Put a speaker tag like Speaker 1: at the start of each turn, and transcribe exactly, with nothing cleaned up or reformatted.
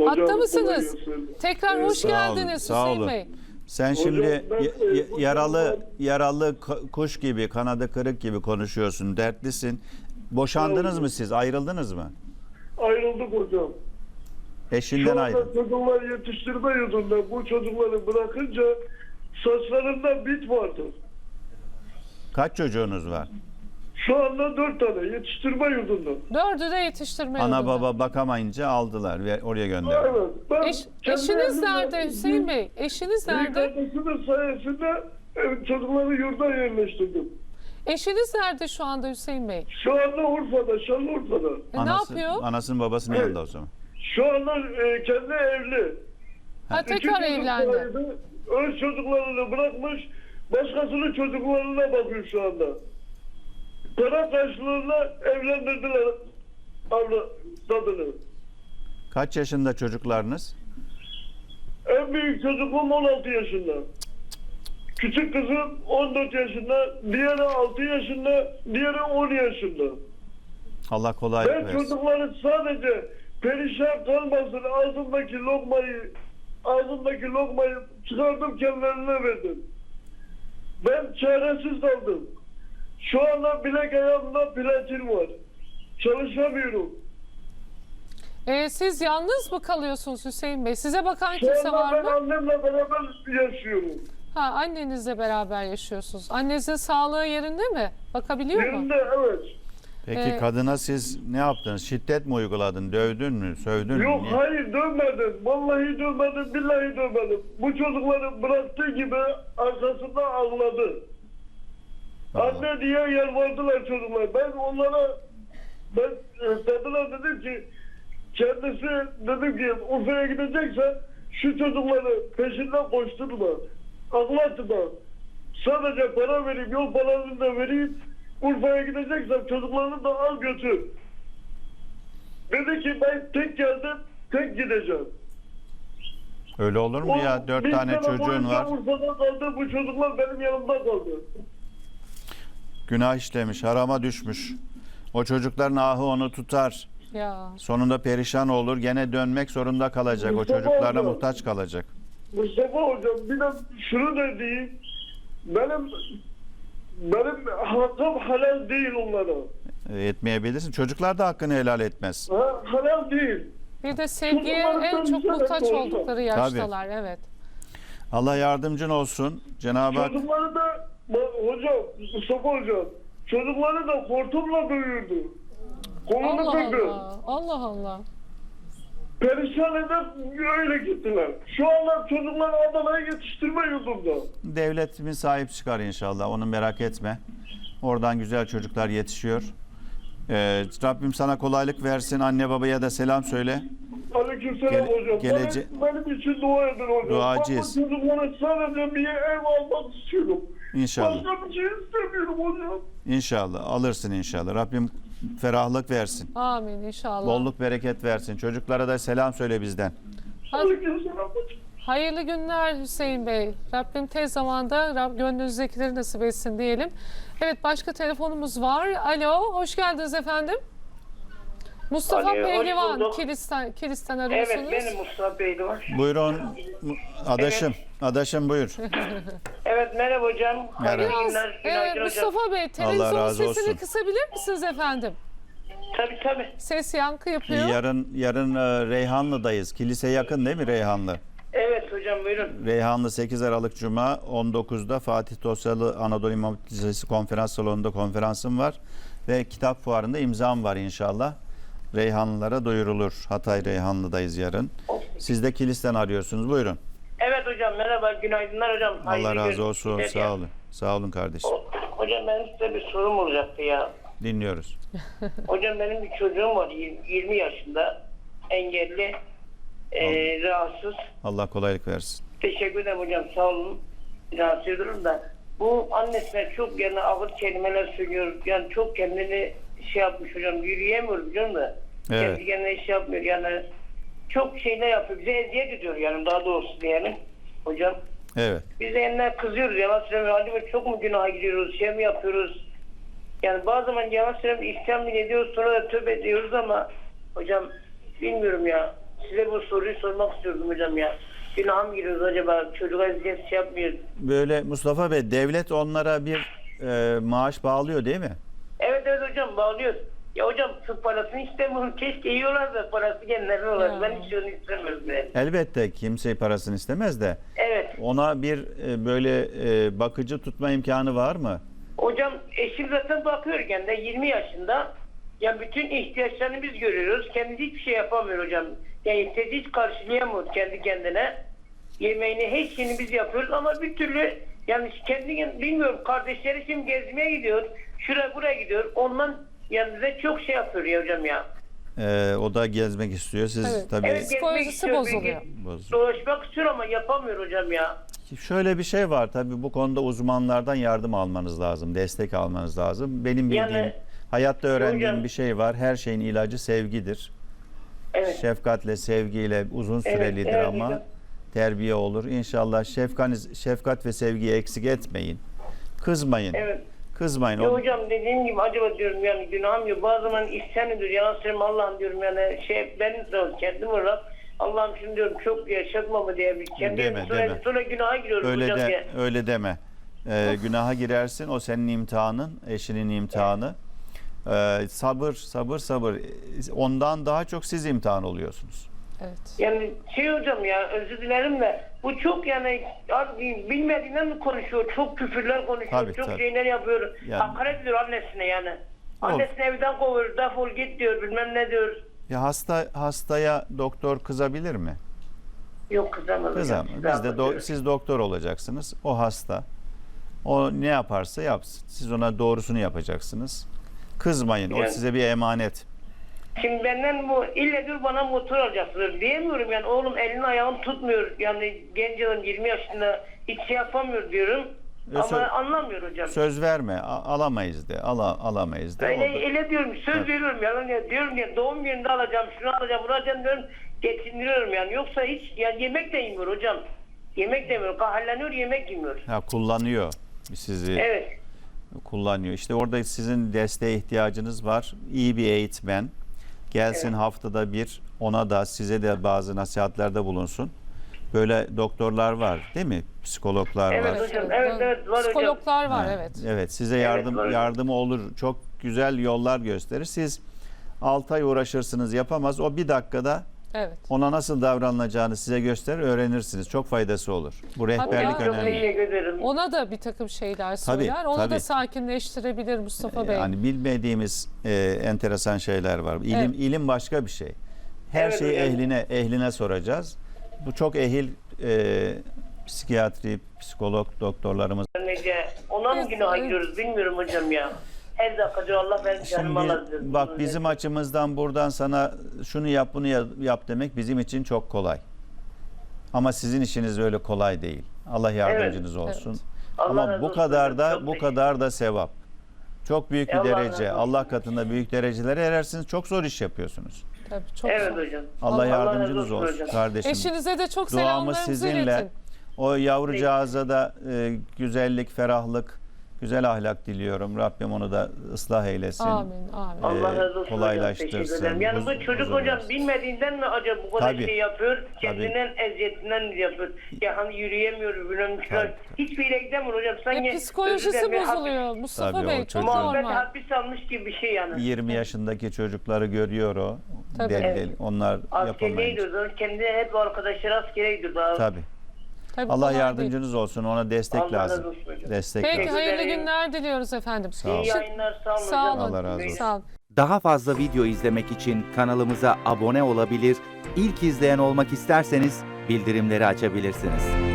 Speaker 1: Hatta mısınız?
Speaker 2: kolay gelsin.
Speaker 1: Tekrar
Speaker 2: Evet,
Speaker 1: hoş
Speaker 2: sağ
Speaker 1: geldiniz
Speaker 3: sağ
Speaker 1: Hüseyin
Speaker 3: olun.
Speaker 1: Bey.
Speaker 3: Sen
Speaker 2: Hocam,
Speaker 3: şimdi
Speaker 2: ben,
Speaker 3: y-
Speaker 2: e,
Speaker 3: y-
Speaker 2: bu
Speaker 3: yaralı
Speaker 2: konuda-
Speaker 3: yaralı ka- kuş gibi, kanadı kırık gibi konuşuyorsun, dertlisin. Boşandınız
Speaker 2: Evet.
Speaker 3: mı siz? Ayrıldınız mı?
Speaker 2: Ayrıldık hocam.
Speaker 3: Eşinden
Speaker 2: Şu anda
Speaker 3: ayrıldın.
Speaker 2: çocuklar yetiştirme yurdunda bu çocukları bırakınca saçlarında bit vardı.
Speaker 3: Kaç çocuğunuz var?
Speaker 2: Şu anda dört tane yetiştirme yurdunda.
Speaker 1: Dördü de yetiştirme
Speaker 3: Ana
Speaker 1: yolunda.
Speaker 3: baba bakamayınca aldılar ve oraya gönderdiler.
Speaker 2: Evet. Ben
Speaker 1: Eş-
Speaker 2: kendi
Speaker 1: eşiniz
Speaker 2: elimle-
Speaker 1: nerede Hüseyin Bey? Eşiniz
Speaker 2: Bir
Speaker 1: nerede?
Speaker 2: kardeşimin sayesinde e, çocukları yurda yerleştirdim.
Speaker 1: Eşiniz nerede şu anda Hüseyin Bey?
Speaker 2: Şu anda Urfa'da, Şanlıurfa'da.
Speaker 1: E, ne
Speaker 3: Anası,
Speaker 1: yapıyor?
Speaker 3: Anasının babasının
Speaker 2: Evet.
Speaker 3: yanında o zaman.
Speaker 2: Şu anda e, kendi evli.
Speaker 1: Ha,
Speaker 2: İki
Speaker 1: tekrar
Speaker 2: çocuk
Speaker 1: evlendi.
Speaker 2: sahibi, öz çocuklarını bırakmış, başkasının çocuklarına bakıyor şu anda. Para karşılığında evlendirdiler abla kadını.
Speaker 3: Kaç yaşında çocuklarınız?
Speaker 2: En büyük çocuğum on altı yaşında. Küçük kızım on dört yaşında, diğeri altı yaşında, diğeri on yaşında.
Speaker 3: Allah kolaylık
Speaker 2: Ben
Speaker 3: versin.
Speaker 2: çocukları sadece perişan kalmasın ağzımdaki lokmayı ağzımdaki lokmayı çıkardım kendilerine verdim. Ben çaresiz kaldım. Şu anda bilek ayağımda platin var. Çalışamıyorum.
Speaker 1: E, siz yalnız mı kalıyorsunuz Hüseyin Bey? Size bakan
Speaker 2: Şu
Speaker 1: kimse
Speaker 2: anda
Speaker 1: var
Speaker 2: ben
Speaker 1: mı?
Speaker 2: annemle beraber yaşıyorum.
Speaker 1: Ha, annenizle beraber yaşıyorsunuz. Annenizin sağlığı yerinde mi? Bakabiliyor mu?
Speaker 2: Yerinde evet.
Speaker 3: Peki
Speaker 1: Ee,
Speaker 3: kadına siz ne yaptınız? Şiddet mi uyguladın? Dövdün mü? Sövdün mü?
Speaker 2: Yok
Speaker 3: Niye?
Speaker 2: hayır dövmedim. Vallahi dövmedim, billahi dövmedim. Bu çocukları bıraktığı gibi arkasında ağladı.
Speaker 3: Allah.
Speaker 2: Anne diye yalvardılar çocuklar. Ben onlara ben e, kadına dedim ki kendisi dedim ki Urfa'ya gideceksen şu çocukları peşinden koşturma. Ağlatma. Sadece para vereyim, yol paralarını da vereyim. Urfa'ya gideceksen çocuklarını da al götür. Dedi ki ben tek geldim, tek gideceğim.
Speaker 3: Öyle olur mu ya?
Speaker 2: O
Speaker 3: Dört
Speaker 2: bir
Speaker 3: tane
Speaker 2: sene
Speaker 3: çocuğun
Speaker 2: boyunca
Speaker 3: var.
Speaker 2: Urfa'da kaldı, bu çocuklar benim yanımda kaldı.
Speaker 3: Günah işlemiş, harama düşmüş. O çocukların ahı onu tutar.
Speaker 1: Ya.
Speaker 3: Sonunda perişan olur. Gene dönmek zorunda kalacak. O
Speaker 2: Mustafa
Speaker 3: çocuklarına
Speaker 2: hocam.
Speaker 3: muhtaç kalacak.
Speaker 2: Mustafa hocam bir de şunu da diyeyim. Benim benim hakkım halal değil onlara.
Speaker 3: E, Etmeyebilirsin. Çocuklar da hakkını helal etmez.
Speaker 2: Ha, halal değil.
Speaker 1: Bir de sevgiye
Speaker 2: Çocuklar
Speaker 1: en çok
Speaker 2: tabii
Speaker 1: muhtaç
Speaker 2: ki
Speaker 1: oldukları yaştalar. Evet.
Speaker 3: Allah yardımcın olsun. Cenab-ı Hak
Speaker 2: Çocukları da bak hocam, Mustafa hocam, çocukları da hortumla dövüyordu. Kolunu
Speaker 1: Allah
Speaker 2: kırdı.
Speaker 1: Allah. Allah Allah.
Speaker 2: Perişan edip öyle gittiler. Şu anda çocuklar Adana'ya yetiştirme yurdunda.
Speaker 3: devletimiz sahip çıkar inşallah. Onu merak etme. Oradan güzel çocuklar yetişiyor. Ee, Rabbim sana kolaylık versin. Anne babaya da selam söyle.
Speaker 2: Aleykümselam
Speaker 3: Gele-
Speaker 2: hocam.
Speaker 3: gelece-
Speaker 2: benim, benim için dua edin hocam.
Speaker 3: Duacıyız.
Speaker 2: Ben bu çocuklara sadece bir ev almak istiyorum.
Speaker 3: İnşallah.
Speaker 2: Başka bir şey istemiyorum hocam.
Speaker 3: İnşallah. Alırsın inşallah. Rabbim ferahlık versin.
Speaker 1: Amin inşallah.
Speaker 3: Bolluk bereket versin. Çocuklara da selam söyle bizden.
Speaker 1: Hadi.
Speaker 2: Aleykümselam hocam.
Speaker 1: Hayırlı günler Hüseyin Bey. Rabbim tez zamanda Rab gönlünüzdekileri nasip etsin diyelim. Evet, başka telefonumuz var. Alo, hoş geldiniz efendim. Mustafa
Speaker 4: Alo, hoş
Speaker 1: Pehlivan,
Speaker 4: bulduk.
Speaker 1: Kilis'ten, Kilis'ten arıyorsunuz.
Speaker 4: Evet benim Mustafa Bey'di.
Speaker 3: Buyurun. Adaşım. Adaşım buyur.
Speaker 4: Evet merhaba hocam. Hayırlı
Speaker 3: Merhaba.
Speaker 4: günler.
Speaker 1: Ee,
Speaker 4: Günaydın hocam.
Speaker 1: Mustafa Bey, televizyon
Speaker 3: razı
Speaker 1: sesini
Speaker 3: olsun.
Speaker 1: kısabilir misiniz efendim?
Speaker 4: Tabii tabii.
Speaker 1: Ses yankı yapıyor.
Speaker 3: Yarın yarın e, Reyhanlı'dayız. Kilise yakın değil mi Reyhanlı?
Speaker 4: Evet hocam buyurun.
Speaker 3: Reyhanlı sekiz Aralık Cuma on dokuzda Fatih Dosyalı Anadolu İmam Hatip Lisesi konferans salonunda konferansım var. Ve kitap fuarında imzam var inşallah. Reyhanlılara duyurulur. Hatay Reyhanlı'dayız yarın. Siz de Kilis'ten arıyorsunuz. Buyurun.
Speaker 4: Evet hocam merhaba. Günaydınlar hocam.
Speaker 3: Allah
Speaker 4: Hayırlı
Speaker 3: razı
Speaker 4: gün-
Speaker 3: olsun.
Speaker 4: günler ya.
Speaker 3: Sağ olun. Sağ olun kardeşim.
Speaker 4: O- Hocam benim size bir sorum olacaktı ya.
Speaker 3: Dinliyoruz.
Speaker 4: Hocam benim bir çocuğum var. yirmi yaşında. Engelli. E, rahatsız.
Speaker 3: Allah kolaylık versin.
Speaker 4: Teşekkür ederim hocam. Sağ olun. Rahatsız ediyorum da. Bu annesine çok yani ağır kelimeler söylüyor. Yani çok kendini şey yapmış hocam. Yürüyemiyor biliyor musun?
Speaker 3: Evet.
Speaker 4: Kendi kendine iş yapmıyor. Yani çok şeyler yapıyor. Bize eziyet ediyor yani daha doğrusu diyelim. Hocam.
Speaker 3: Evet.
Speaker 4: Biz de eline kızıyoruz. Yalan söylemiyor. Acaba çok mu günaha gidiyoruz? Şey mi yapıyoruz? Yani bazı zaman yalan söylemiyor. İsyan bile ediyoruz. Sonra da tövbe ediyoruz ama hocam bilmiyorum ya. size bu soruyu sormak istiyordum hocam ya. Günah mı giriyoruz acaba? Çocuğa eziyet şey yapmıyor.
Speaker 3: Böyle Mustafa Bey, devlet onlara bir e, maaş bağlıyor değil mi?
Speaker 4: Evet evet hocam bağlıyoruz. Ya hocam tıp parasını istemiyorum. Keşke yiyorlar da parası kendilerine
Speaker 1: Ya.
Speaker 4: olar. Ben hiç onu istemiyorum. Yani.
Speaker 3: Elbette kimse parasını istemez de
Speaker 4: Evet.
Speaker 3: ona bir e, böyle e, bakıcı tutma imkanı var mı?
Speaker 4: Hocam eşim zaten bakıyor kendine yirmi yaşında. Ya bütün ihtiyaçlarını biz görüyoruz. Kendisi hiçbir şey yapamıyor hocam. Yani istediği hiç karşılayamıyor kendi kendine. Yemeğini, her şeyini biz yapıyoruz ama bir türlü yani kendi bilmiyorum, kardeşleri şimdi gezmeye gidiyor. Şuraya buraya gidiyor. Ondan yani bize çok şey yapıyor ya hocam ya.
Speaker 3: E, o da gezmek istiyor. Siz
Speaker 1: Evet.
Speaker 3: tabii
Speaker 4: Evet, gezmek
Speaker 1: Psikolojisi
Speaker 4: istiyor,
Speaker 1: bozuluyor.
Speaker 4: bilgi-
Speaker 3: Bozuyor.
Speaker 4: Dolaşmak istiyor ama yapamıyor hocam ya.
Speaker 3: Şöyle bir şey var tabii, bu konuda uzmanlardan yardım almanız lazım, destek almanız lazım. Benim bildiğim,
Speaker 4: Yani-
Speaker 3: hayatta öğrendiğim
Speaker 4: Hocam-
Speaker 3: bir şey var. Her şeyin ilacı sevgidir.
Speaker 4: Evet.
Speaker 3: Şefkatle, sevgiyle uzun
Speaker 4: Evet,
Speaker 3: sürelidir
Speaker 4: evet
Speaker 3: ama
Speaker 4: hocam.
Speaker 3: terbiye olur. İnşallah şefkaniz, şefkat ve sevgiyi eksik etmeyin. Kızmayın.
Speaker 4: Evet.
Speaker 3: Kızmayın.
Speaker 4: Ya
Speaker 3: O-
Speaker 4: hocam dediğim gibi acaba diyorum yani günahım yok. Bazı zaman isyan ediyor. Yalan söyleyeyim Allah'ım diyorum yani şey ben de kendim olarak Allah'ım şimdi diyorum çok yaşatma mı diye bir kendim
Speaker 3: Deme,
Speaker 4: sonra,
Speaker 3: deme.
Speaker 4: sonra günaha giriyorum
Speaker 3: Öyle
Speaker 4: hocam
Speaker 3: de
Speaker 4: ya.
Speaker 3: öyle deme. Ee, günaha girersin. O senin imtihanın, eşinin imtihanı. Ee, sabır, sabır, sabır. Ondan daha çok siz imtihan oluyorsunuz.
Speaker 1: Evet.
Speaker 4: Yani şey hocam ya özür dilerim de bu çok yani az- bilmediğinden mi konuşuyor? Çok küfürler konuşuyor.
Speaker 3: Tabii,
Speaker 4: çok
Speaker 3: tabii.
Speaker 4: şeyler yapıyor.
Speaker 3: Yani-
Speaker 4: Hakaret ediyor annesine yani. Annesini evden kovuyor. Defol git diyor. Bilmem ne diyor.
Speaker 3: Ya hasta hastaya doktor kızabilir mi?
Speaker 4: Yok kızamaz.
Speaker 3: Kızamaz.
Speaker 4: hocam.
Speaker 3: Biz de do-
Speaker 4: Kızamaz.
Speaker 3: siz doktor olacaksınız. O hasta. O ne yaparsa yapsın. Siz ona doğrusunu yapacaksınız. Kızmayın. O
Speaker 4: Yani-
Speaker 3: size bir emanet.
Speaker 4: Şimdi benden bu ille diyor bana motor alacaksınız diyemiyorum yani oğlum elini ayağını tutmuyor yani genç adam yirmi yaşında hiç şey yapamıyor diyorum
Speaker 3: E,
Speaker 4: ama
Speaker 3: sö-
Speaker 4: anlamıyor hocam.
Speaker 3: Söz verme. a- alamayız de. Ala, alamayız de.
Speaker 4: Öyle,
Speaker 3: O da-
Speaker 4: öyle diyorum söz
Speaker 3: Evet.
Speaker 4: veriyorum yalan ya diyorum ya doğum gününde alacağım şunu alacağım bunu alacağım diyorum geçindiriyorum yani yoksa hiç yani yemek de yemiyor hocam. Yemek de yemiyor kahalleniyor yemek yemiyor.
Speaker 3: Ha, kullanıyor sizi.
Speaker 4: Evet.
Speaker 3: Kullanıyor. İşte orada sizin desteğe ihtiyacınız var. İyi bir eğitmen. Gelsin
Speaker 4: Evet.
Speaker 3: haftada bir, ona da size de bazı nasihatlerde bulunsun. Böyle doktorlar var değil mi? Psikologlar
Speaker 4: Evet
Speaker 3: var.
Speaker 4: hocam, evet, evet, var hocam.
Speaker 1: Psikologlar var,
Speaker 3: Ha,
Speaker 1: evet.
Speaker 3: Evet, size
Speaker 4: Evet,
Speaker 3: yardım
Speaker 4: var hocam.
Speaker 3: yardımı olur. Çok güzel yollar gösterir. Siz altı ay uğraşırsınız, yapamaz. O bir dakikada
Speaker 1: Evet.
Speaker 3: ona nasıl davranılacağını size gösterir, öğrenirsiniz. Çok faydası olur. Bu rehberlik
Speaker 1: Hatta-
Speaker 4: Çok
Speaker 3: önemli.
Speaker 4: teşekkür ederim.
Speaker 1: Ona da bir takım şeyler
Speaker 3: Tabii,
Speaker 1: söyler. Onu
Speaker 3: tabii.
Speaker 1: da sakinleştirebilir Mustafa Bey.
Speaker 3: Yani bilmediğimiz e, enteresan şeyler var. İlim
Speaker 1: Evet.
Speaker 3: ilim başka bir şey. Her
Speaker 4: Evet,
Speaker 3: şeyi
Speaker 4: hocam.
Speaker 3: ehline ehline soracağız. Bu çok ehil e, psikiyatri, psikolog doktorlarımız.
Speaker 4: Nece ona mı
Speaker 1: Evet,
Speaker 4: günaha
Speaker 1: evet.
Speaker 4: giriyoruz bilmiyorum hocam ya. Her dakika diyor Allah ben canımı
Speaker 3: Şimdi
Speaker 4: alır diyor.
Speaker 3: bak, bizim açımızdan buradan sana şunu yap bunu ya- yap demek bizim için çok kolay. Ama sizin işiniz öyle kolay değil. Allah yardımcınız olsun.
Speaker 1: Evet.
Speaker 4: Allah
Speaker 3: Ama
Speaker 4: razı
Speaker 3: bu
Speaker 4: olsun
Speaker 3: kadar
Speaker 4: hocam,
Speaker 3: da
Speaker 4: çok
Speaker 3: bu
Speaker 4: teşekkür-
Speaker 3: kadar da sevap. Çok büyük bir
Speaker 4: Allah razı
Speaker 3: derece.
Speaker 4: olsun.
Speaker 3: Allah katında büyük derecelere erersiniz. Çok zor iş yapıyorsunuz.
Speaker 1: Tabii, çok
Speaker 4: Evet
Speaker 1: zor.
Speaker 4: hocam.
Speaker 3: Allah,
Speaker 4: Allah
Speaker 3: yardımcınız
Speaker 4: razı olsun
Speaker 3: olsun
Speaker 4: hocam.
Speaker 3: kardeşim.
Speaker 1: Eşinize de çok
Speaker 3: Duamız
Speaker 1: selamlarımızı
Speaker 3: sizinle.
Speaker 1: iletin.
Speaker 3: O yavrucağıza da e, güzellik, ferahlık, güzel ahlak diliyorum. Rabbim onu da ıslah eylesin.
Speaker 1: Amin, amin.
Speaker 4: Allah
Speaker 3: Ee,
Speaker 4: razı olsun
Speaker 3: kolaylaştırsın,
Speaker 4: hocam. Teşekkür ederim. Yani
Speaker 3: huz-
Speaker 4: bu çocuk
Speaker 3: huzur
Speaker 4: hocam
Speaker 3: versin.
Speaker 4: bilmediğinden mi acaba bu kadar
Speaker 3: Tabii.
Speaker 4: şey yapıyor? Kendinden eziyetinden mi yapıyor? Ya hani yürüyemiyor, bilmem ne.
Speaker 3: Tabii.
Speaker 4: Hiçbir yere gidemiyor hocam. Sanki
Speaker 1: E, psikolojisi
Speaker 4: özür dilerim,
Speaker 1: bozuluyor Mustafa
Speaker 3: Tabii, o
Speaker 1: Bey.
Speaker 3: çocuk-
Speaker 1: Çok
Speaker 4: Muhabbet
Speaker 1: normal.
Speaker 4: hapis almış gibi bir şey yani.
Speaker 3: yirmi yaşındaki çocukları görüyor o.
Speaker 1: Tabii.
Speaker 3: Deli
Speaker 4: Evet.
Speaker 3: deli. Onlar
Speaker 4: Askeriye
Speaker 3: yapamayınca.
Speaker 4: gidiyordu. Kendi hep arkadaşları askere gidiyordu.
Speaker 3: Tabii.
Speaker 1: Tabii,
Speaker 3: Allah
Speaker 1: kolay
Speaker 3: yardımcınız olsun. Ona destek
Speaker 4: Allah
Speaker 3: lazım.
Speaker 4: razı olsun hocam.
Speaker 3: Destek
Speaker 1: değil. Peki,
Speaker 3: lazım.
Speaker 1: hayırlı
Speaker 4: ederim.
Speaker 1: günler diliyoruz efendim.
Speaker 3: Sağ olun.
Speaker 4: İyi yayınlar. Sağ olun
Speaker 1: Sağ
Speaker 4: hocam.
Speaker 1: olun.
Speaker 3: Allah razı olsun.
Speaker 1: Sağ olun.
Speaker 5: Daha fazla video izlemek için kanalımıza abone olabilir, ilk izleyen olmak isterseniz bildirimleri açabilirsiniz.